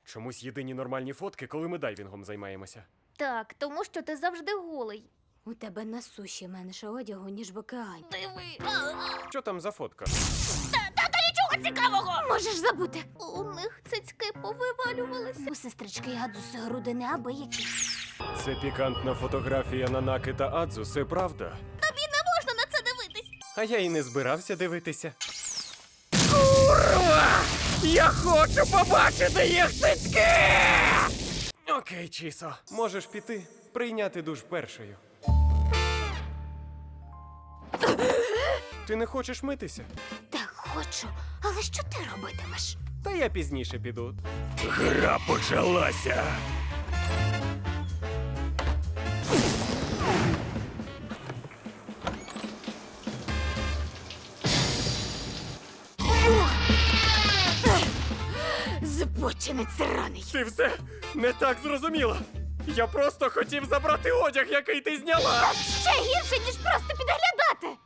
Чомусь єдині нормальні фотки, коли ми дайвінгом займаємося. Так, тому що ти завжди голий. У тебе на суші менше одягу, ніж в океані. Диви. Що там за фотка? Нічого цікавого! Можеш забути. У них цицьки повивалювалися. У сестрички Адзуси груди неабиякі. Це пікантна фотографія Нанаки та Адзуси, правда? Тобі не можна на це дивитись. А я і не збирався дивитися. Курва! Я хочу побачити їх цицьки! Окей, Чісо, можеш піти, прийняти душ першою. Ти не хочеш митися? Так хочу. Але що ти робитимеш? Та я пізніше піду. Гра почалася. Збочинець раний. Ти все не так зрозуміла. Я просто хотів забрати одяг, який ти зняла. Ще гірше, ніж просто підглядати.